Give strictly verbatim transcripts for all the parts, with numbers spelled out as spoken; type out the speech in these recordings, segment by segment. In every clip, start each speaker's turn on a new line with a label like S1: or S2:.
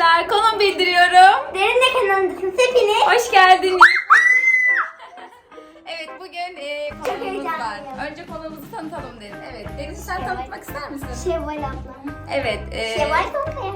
S1: arkadaşlar, konum bildiriyorum.
S2: Derin de kanalındasınız hepiniz.
S1: Hoş geldiniz. Evet, bugün e, konuğumuz var.
S2: heyecanlıyım.
S1: Önce konuğumuzu tanıtalım Derin. Evet, Derin sen tanıtmak ister misin?
S2: Şevval ablam.
S1: Evet. E,
S2: Şevval Sonkaya.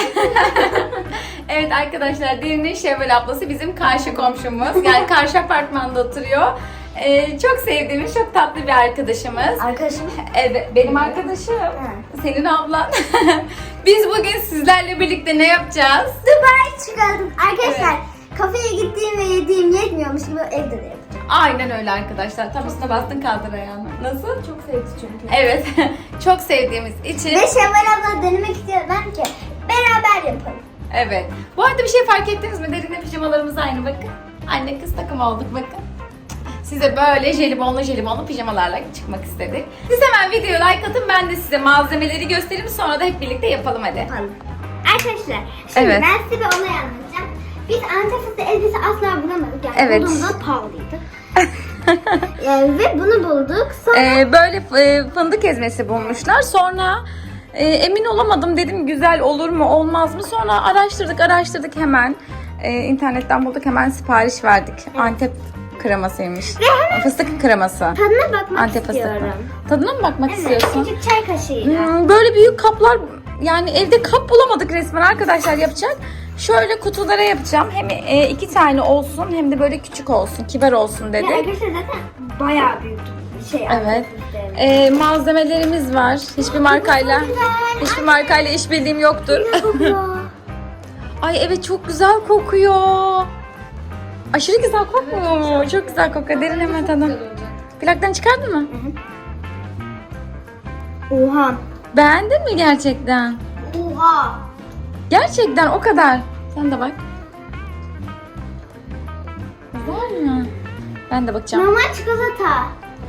S1: evet arkadaşlar, Derin'in Şevval ablası bizim karşı komşumuz. Yani karşı apartmanda oturuyor. E, çok sevdiğimiz, çok tatlı bir arkadaşımız.
S2: Arkadaşım.
S1: Evet, benim arkadaşım. Senin ablan. Biz bugün sizlerle birlikte ne yapacağız?
S2: Dubai çıkardım. Arkadaşlar kafeye gittiğim ve yediğim yetmiyormuş gibi evde de yapacağım.
S1: Aynen öyle arkadaşlar. Tam üstüne bastın, kaldır ayağını. Nasıl?
S2: Çok sevdi çünkü.
S1: Evet. Çok sevdiğimiz için.
S2: Ve Şevval abla denemek istiyorum ben ki beraber yapalım.
S1: Evet. Bu arada bir şey fark ettiniz mi? Derinle pijamalarımız aynı, bakın. Anne kız takım olduk, bakın. Size böyle jelibonlu jelibonlu pijamalarla çıkmak istedik. Siz hemen videoya like atın, ben de size malzemeleri göstereyim, sonra da hep birlikte yapalım hadi.
S2: Yapalım. Arkadaşlar şimdi
S1: Evet.
S2: ben size bir olay anlatacağım. Biz Antep fıstığı elbise asla bulamadık. Yani
S1: Evet.
S2: bulduğumuzda pahalıydı. Yani ve bunu bulduk. Sonra
S1: Ee, böyle e, fındık ezmesi bulmuşlar. Sonra e, emin olamadım, dedim güzel olur mu olmaz mı. Sonra araştırdık araştırdık hemen. E, internetten bulduk, hemen sipariş verdik. Antep kremasıymış. Fıstık kreması.
S2: tadına bakmak
S1: Antep
S2: istiyorum.
S1: fıstıklı. Tadına mı bakmak
S2: Evet,
S1: istiyorsun?
S2: küçük çay kaşığıyla.
S1: Hmm, böyle büyük kaplar, yani evde kap bulamadık resmen arkadaşlar yapacak. Şöyle kutulara yapacağım. Hem e, iki tane olsun hem de böyle küçük olsun, kibar olsun
S2: Ya
S1: dedik.
S2: arkadaşlar zaten bayağı büyük bir şey.
S1: Evet.
S2: Antep fıstığı.
S1: E, malzemelerimiz var. Hiçbir markayla
S2: çok güzel.
S1: hiçbir markayla işbirliğim yoktur.
S2: Ne kokuyor?
S1: Ay evet, çok güzel kokuyor. Aşırı güzel kokmuyor mu? Çok güzel kokuyor. Derin hemen tadın. Plaktan çıkardın mı?
S2: Oha.
S1: Beğendin mi gerçekten?
S2: Oha.
S1: Gerçekten o kadar. Sen de bak. Güzel mi? Ben de bakacağım.
S2: Normal çikolata.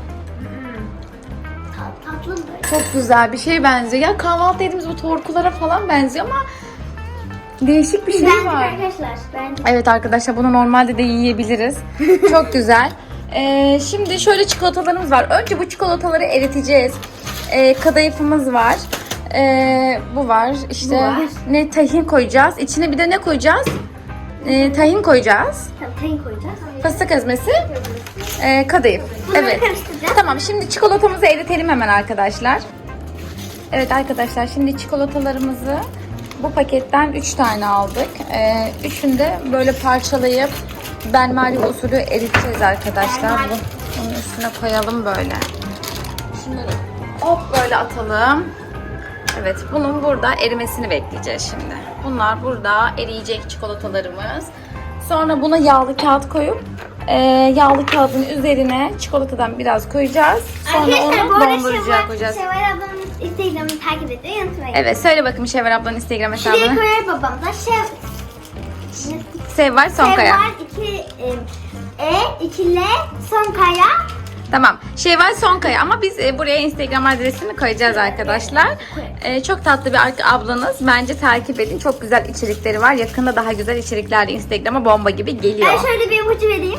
S2: Tat, tatlı böyle.
S1: Çok güzel bir şey benziyor. Ya kahvaltı yediğimiz bu torkulara falan benziyor ama değişik bir şey
S2: Bence
S1: var.
S2: arkadaşlar. Bence.
S1: Evet arkadaşlar, bunu normalde de yiyebiliriz. Çok güzel. Ee, şimdi şöyle çikolatalarımız var. Önce bu çikolataları eriteceğiz. Ee, kadayıfımız var. Ee, bu var. İşte
S2: Bu var.
S1: ne tahin koyacağız. İçine bir de ne koyacağız? Ee, tahin koyacağız.
S2: Tamam, tayin koyacağız.
S1: Fıstık ezmesi. Ee, kadayıf.
S2: Bunları
S1: Evet.
S2: karıştıracağız.
S1: Tamam, şimdi çikolatamızı eritelim hemen arkadaşlar. Evet arkadaşlar, şimdi çikolatalarımızı bu paketten üç tane aldık. Ee, üçünü de böyle parçalayıp benmari usulü eriteceğiz arkadaşlar. Bu, bunun üstüne koyalım böyle. Şunları hop böyle atalım. Evet, bunun burada erimesini bekleyeceğiz şimdi. Bunlar burada eriyecek çikolatalarımız. Sonra buna yağlı kağıt koyup e, yağlı kağıdın üzerine çikolatadan biraz koyacağız. Sonra
S2: Arkadaşlar bu
S1: onu
S2: arada
S1: dondurucuya
S2: Şevval,
S1: koyacağız.
S2: Şevval ablamın Instagram'ını takip etmeyi unutmayın.
S1: Evet, söyle bakayım Şevval ablanın Instagram
S2: Şuraya
S1: hesabını.
S2: koyar babamda. Şev...
S1: Sevval Sonkaya.
S2: Şevval iki e, iki L Sonkaya.
S1: Tamam. Şevval Sonkaya, ama biz e, buraya Instagram adresini koyacağız arkadaşlar. E, çok tatlı bir arka- ablanız. Bence takip edin. Çok güzel içerikleri var. Yakında daha güzel içerikler de Instagram'a bomba gibi geliyor.
S2: Ben şöyle bir ipucu vereyim.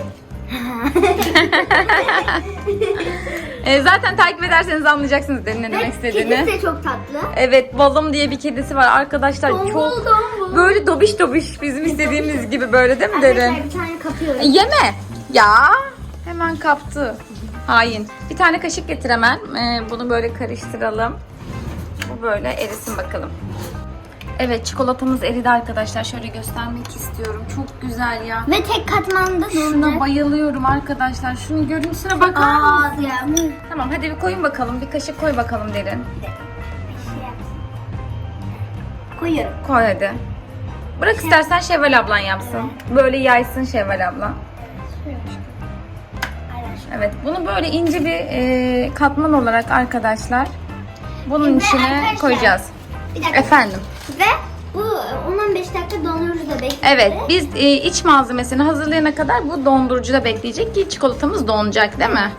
S1: E, zaten takip ederseniz anlayacaksınız derin ne demek istediğini.
S2: Kedisi de çok tatlı.
S1: Evet, Balım diye bir kedisi var arkadaşlar.
S2: Tombul,
S1: Çok
S2: tombul.
S1: böyle dobiş dobiş, bizim istediğimiz gibi, böyle değil mi derin?
S2: Arkadaşlar bir tane kapıyorum.
S1: E, Yeme. Ya hemen kaptı. Hain. Bir tane kaşık getir hemen. Ee, bunu böyle karıştıralım. Bu böyle erisin bakalım. Evet, çikolatamız eridi arkadaşlar. Şöyle göstermek istiyorum. Çok güzel ya.
S2: Ve tek katmanda
S1: Şuna
S2: dondu.
S1: bayılıyorum arkadaşlar. Şunun görüntüsüne bakar
S2: Aa
S1: mısın?
S2: ya.
S1: Tamam, hadi bir koyun bakalım. Bir kaşık koy bakalım derin.
S2: Bir şey yapsın. Koyuyorum.
S1: Koy hadi. Bırak istersen Şevval ablan yapsın. Böyle yaysın Şevval ablan. Evet, bunu böyle ince bir e, katman olarak arkadaşlar bunun
S2: Ve
S1: içine
S2: arkadaşlar,
S1: koyacağız.
S2: Bir dakika.
S1: Efendim.
S2: Ve bu on on beş dakika dondurucuda bekledi.
S1: Evet, biz e, iç malzemesini hazırlayana kadar bu dondurucuda bekleyecek ki çikolatamız donacak, değil mi?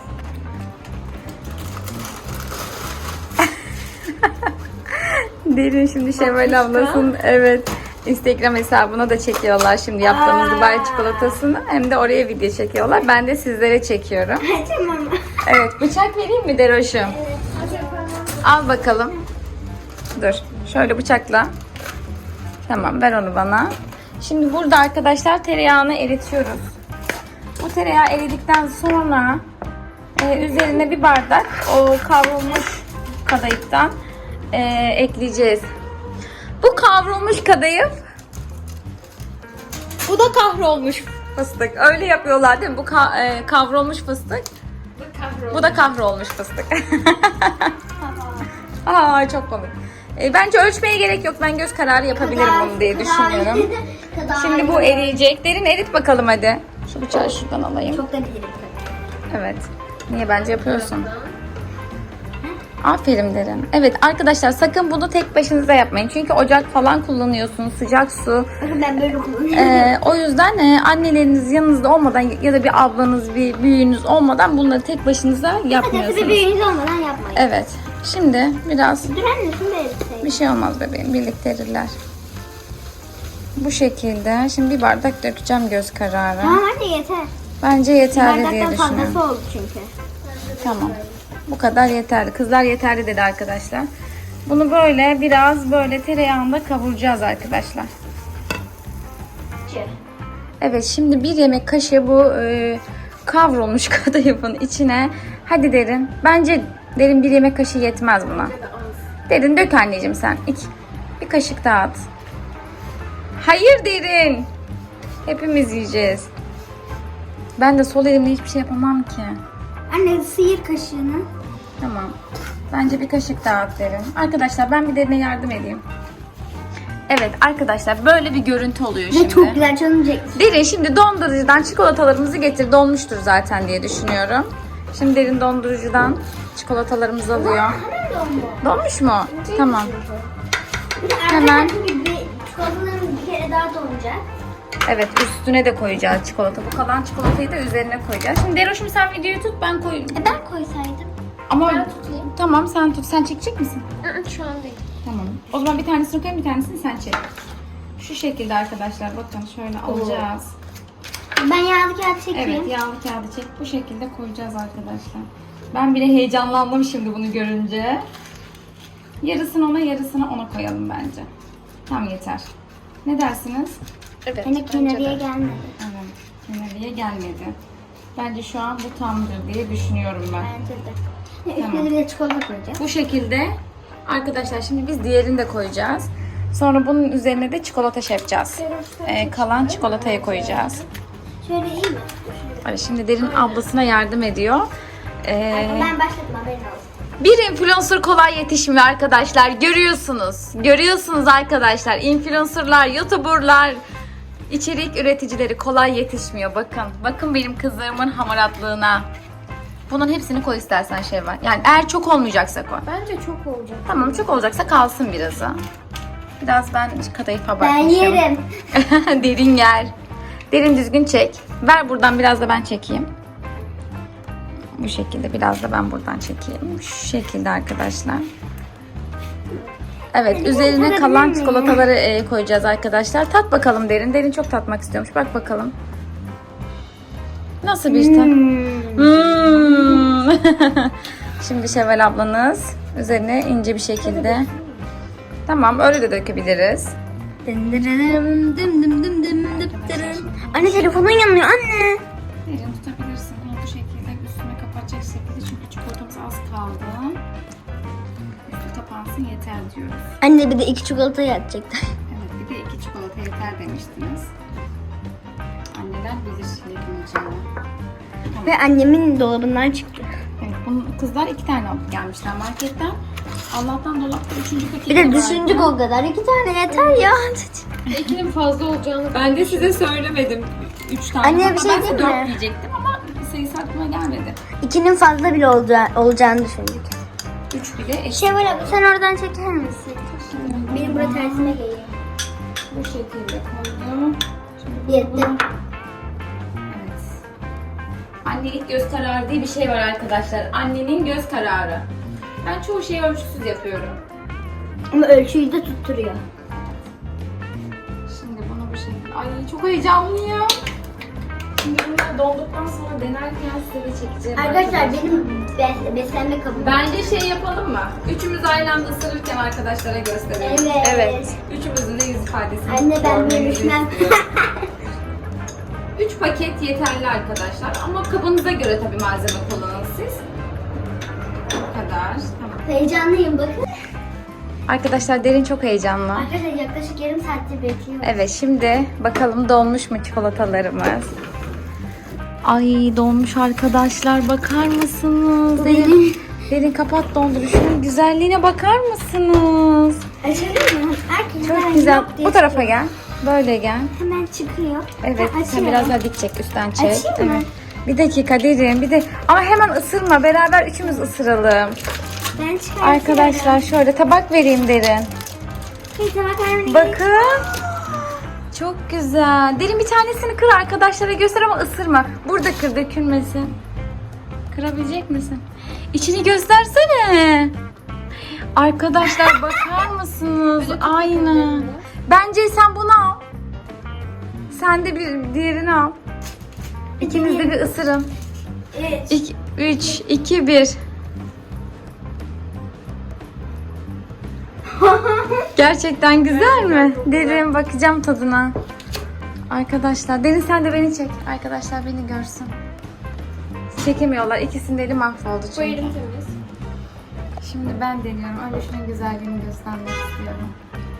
S1: Derin şimdi Şevval ablasının evet Instagram hesabına da çekiyorlar şimdi yaptığımız
S2: Aa.
S1: Dubai çikolatasını. Hem de oraya video çekiyorlar. Ben de sizlere çekiyorum.
S2: Tamam.
S1: Evet, bıçak vereyim mi Deroş'um?
S2: Evet.
S1: Al bakalım. Dur, şöyle bıçakla. Tamam, ver onu bana. Şimdi burada arkadaşlar tereyağını eritiyoruz. Bu tereyağı eridikten sonra e, üzerine bir bardak o kavrulmuş kadayıftan e, ekleyeceğiz. Bu kavrulmuş kadayıf, bu da kahrolmuş fıstık. Öyle yapıyorlar değil mi? Bu ka- e, kavrulmuş fıstık. Bu da kahrolmuş fıstık. Aa, çok komik. E, bence ölçmeye gerek yok. Ben göz kararı yapabilirim bunu diye düşünüyorum. Şimdi bu eriyecek. Derin erit bakalım hadi. Şu bıçağı şuradan alayım.
S2: Çok da bilirim.
S1: Evet. Niye bence yapıyorsun? Aferin Derin. Evet arkadaşlar, sakın bunu tek başınıza yapmayın. Çünkü ocak falan kullanıyorsunuz. Sıcak su.
S2: Bakın ben böyle kullanıyorum.
S1: Ee, o yüzden e, anneleriniz yanınızda olmadan ya da bir ablanız, bir büyüğünüz olmadan bunları tek başınıza
S2: Hadi bir
S1: yapmıyorsunuz.
S2: büyüğünüz olmadan yapmayın.
S1: Evet. Şimdi biraz
S2: Dur anne şunu da eriteyim.
S1: bir şey olmaz bebeğim. Birlikte erirler. Bu şekilde. Şimdi bir bardak dökeceğim göz kararı.
S2: Tamam anne yeter.
S1: Bence yeterli diye
S2: Bardaktan
S1: düşünüyorum.
S2: fazlası oldu çünkü.
S1: Tamam. Bu kadar yeterli. Kızlar yeterli dedi arkadaşlar. Bunu böyle biraz böyle tereyağında kavuracağız arkadaşlar. Evet, şimdi bir yemek kaşığı bu e, kavrulmuş kadayıfın içine. Hadi Derin. Bence Derin bir yemek kaşığı yetmez buna. Derin dök anneciğim sen. İki, bir kaşık daha at. Hayır Derin. Hepimiz yiyeceğiz. Ben de sol elimle hiçbir şey yapamam ki.
S2: Anne sıyır kaşığını.
S1: Tamam. Bence bir kaşık daha at Derin. Arkadaşlar ben bir Derin'e yardım edeyim. Evet arkadaşlar, böyle bir görüntü oluyor
S2: Ve
S1: şimdi.
S2: çok güzel canım çekti.
S1: Derin şimdi dondurucudan çikolatalarımızı getir. Donmuştur zaten diye düşünüyorum. Şimdi Derin dondurucudan çikolatalarımızı alıyor.
S2: Hemen dondu.
S1: Donmuş mu? Tamam.
S2: Bir de
S1: Hemen.
S2: Hemen. gibi çikolataların bir kere daha donacak.
S1: Evet, üstüne de koyacağız çikolata. Bu kalan çikolatayı da üzerine koyacağız. Şimdi Deroş'um sen videoyu tut, ben koyayım.
S2: E ben koysaydım.
S1: Ama
S2: Ben tutayım.
S1: tamam, sen tut. Sen çekecek misin?
S2: Şu an değil.
S1: Tamam. O zaman bir tanesini koyayım, bir tanesini sen çek. Şu şekilde arkadaşlar, bakın şöyle alacağız.
S2: Ben yağlı kağıt çekeyim.
S1: Evet, yağlı kağıdı çek. Bu şekilde koyacağız arkadaşlar. Ben bile heyecanlandım şimdi bunu görünce. Yarısını ona, yarısını ona koyalım bence. Tam yeter. Ne dersiniz?
S3: Evet.
S2: Hani kenarıya gelmedi.
S1: Evet, kenarıya gelmedi. Bence şu an bu tamdır diye düşünüyorum ben.
S2: Bence de.
S1: Tamam.
S2: Üstüne bir de çikolata koyacağız.
S1: Bu şekilde arkadaşlar, şimdi biz diğerini de koyacağız. Sonra bunun üzerine de çikolata şey yapacağız. Ee, kalan çikolatayı koyacağız.
S2: Şöyle iyi mi?
S1: Hani şimdi Derin ablasına yardım ediyor. Ee,
S2: Ben başladım, haberin olsun.
S1: bir influencer kolay yetişmiyor arkadaşlar. Görüyorsunuz. Görüyorsunuz arkadaşlar. Influencerlar, youtuberlar, içerik üreticileri kolay yetişmiyor. Bakın. Bakın benim kızlarımın hamaratlığına. Bunun hepsini koy istersen şey var. Yani eğer çok olmayacaksa koy.
S3: Bence çok olacak.
S1: Tamam, çok olacaksa kalsın birazı. Biraz ben kadayıfa
S2: Ben
S1: bakmışım.
S2: yerim.
S1: Derin yer. Derin düzgün çek. Ver buradan, biraz da ben çekeyim. Bu şekilde biraz da ben buradan çekeyim. Şu şekilde arkadaşlar. Evet,
S2: Derin
S1: üzerine
S2: tadabilir
S1: kalan
S2: miyim?
S1: çikolataları e, koyacağız arkadaşlar. Tat bakalım Derin. Derin çok tatmak istiyormuş. Bak bakalım. Nasıl bir tat? Hmm. Şimdi Şevval ablanız üzerine ince bir şekilde. Tamam, öyle de dökebiliriz.
S2: Dındırırım, dım dım dım dım dım dırırım. Anne telefonun yanıyor anne.
S1: Derin tutabilirsin. Bunu bu şekilde üstüne kapatacak şekilde, çünkü çikolatamız az kaldı. Üstü kapansın yeter diyoruz.
S2: Anne bir de iki çikolata yatacaktı.
S1: Evet, bir de iki çikolata yeter demiştiniz. Anneler bilir yapamayacağını.
S2: Ve annemin dolabından çıktı.
S1: Evet, bunu kızlar iki tane alıp gelmişler marketten. Allah'tan dolapta üçüncü paketi
S2: Bir de
S1: vardı.
S2: düşündük o kadar. İki tane yeter ya.
S3: İkinin fazla olacağını
S1: Ben de size söylemedim. Üç tane.
S2: Anne, bir
S1: Hatta
S2: şey
S1: ben
S2: diyeyim
S1: dört
S2: mi?
S1: diyecektim ama sayısı aklıma gelmedi.
S2: İkinin fazla bile olacağı, olacağını düşündük.
S1: Üç bile eşit.
S2: Şevval abi sen oradan çeker misin? Benim burada tersine geliyor.
S1: Bu şekilde koydum.
S2: Yetti.
S1: Evet. Annelik göz kararı diye bir şey var arkadaşlar. Annenin göz kararı. Ben çoğu şeyi ölçüsüz yapıyorum.
S2: Ama ölçüyü de tutturuyor.
S1: Şimdi bunu bu şekilde... Ay çok heyecanlıyım. Şimdi bunlar donduktan sonra denerken size de çekeceğim.
S2: Arkadaşlar benim bes- beslenme kabım.
S1: Bence şey yapalım mı? Üçümüz aynı anda ısırırken arkadaşlara gösterelim.
S2: Evet.
S1: Evet. Üçümüzün de yüz ifadesini
S2: Anne ben
S1: görmenizi
S2: bölüşmem.
S1: istiyorum. Üç paket yeterli arkadaşlar. Ama kabınıza göre tabii malzeme kullanın siz. Bu kadar. Tamam.
S2: Heyecanlıyım bakın.
S1: Arkadaşlar Derin çok heyecanlı.
S2: Arkadaşlar yaklaşık yarım saattir bekliyorum.
S1: Evet, şimdi bakalım donmuş mu çikolatalarımız? Ay donmuş arkadaşlar, bakar mısınız? Derin, Derin kapat donduruşunun güzelliğine bakar mısınız?
S2: Açalım mı? Herkes
S1: Çok
S2: ben
S1: güzel.
S2: yok diye
S1: Bu tarafa gel. Böyle gel.
S2: hemen çıkıyor.
S1: Evet,
S2: Ben
S1: sen
S2: açıyorum.
S1: biraz daha dik çek, üstten çek.
S2: Açayım mı?
S1: Evet. Bir dakika Derin, bir de ama hemen ısırma. Beraber üçümüz ısıralım.
S2: Ben çıkartıyorum.
S1: Arkadaşlar şöyle tabak vereyim Derin.
S2: Bir tabak vermeni
S1: Bakın. Çok güzel. Derin bir tanesini kır, arkadaşlara göster ama ısırma. Burada kır, dökülmesin. Kırabilecek misin? İçini göstersene. Arkadaşlar bakar mısınız? Aynı. Bence sen bunu al. Sen de bir diğerini al. İkiniz de bir ısırın.
S2: Üç.
S1: üç, iki, bir. Gerçekten güzel mi? Derin, bakacağım tadına. Arkadaşlar, Derin sen de beni çek. Arkadaşlar beni görsün. Çekemiyorlar. İkisinin de eli mahvoldu
S3: Bu
S1: çünkü.
S3: elim temiz.
S1: Şimdi ben deniyorum. Önce şunun güzelliğini göstermek istiyorum.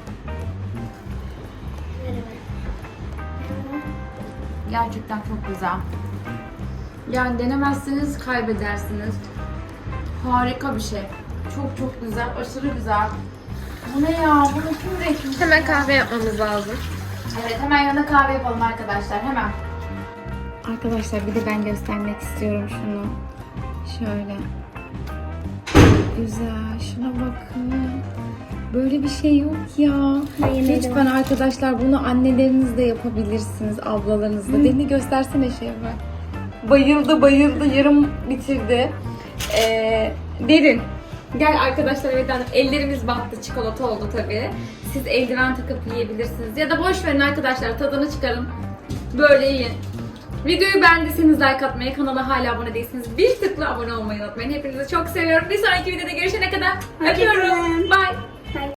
S1: Gerçekten çok güzel. Yani denemezseniz kaybedersiniz. Harika bir şey. Çok çok güzel, aşırı güzel. Bu ne ya? Bunu kim üretmiş?
S3: Hemen kahve yapmamız lazım.
S1: Evet, hemen yanına kahve yapalım arkadaşlar. Hemen. Arkadaşlar bir de ben göstermek istiyorum şunu. Şöyle. Güzel. Şuna bakın. Böyle bir şey yok ya. Lütfen arkadaşlar bunu anneleriniz de yapabilirsiniz. Ablalarınız da. Derini göstersene şey var. Bayıldı bayıldı. Yarım bitirdi. Ee, Derin. Gel arkadaşlar, evet hanım. Ellerimiz battı. Çikolata oldu tabii. Siz eldiven takıp yiyebilirsiniz. Ya da boş verin arkadaşlar. Tadını çıkarın. Böyle yiyin. Videoyu beğendiyseniz like atmayı, kanala hala abone değilseniz bir tıkla abone olmayı unutmayın. Hepinizi çok seviyorum. Bir sonraki videoda görüşene kadar öpüyorum. Bye.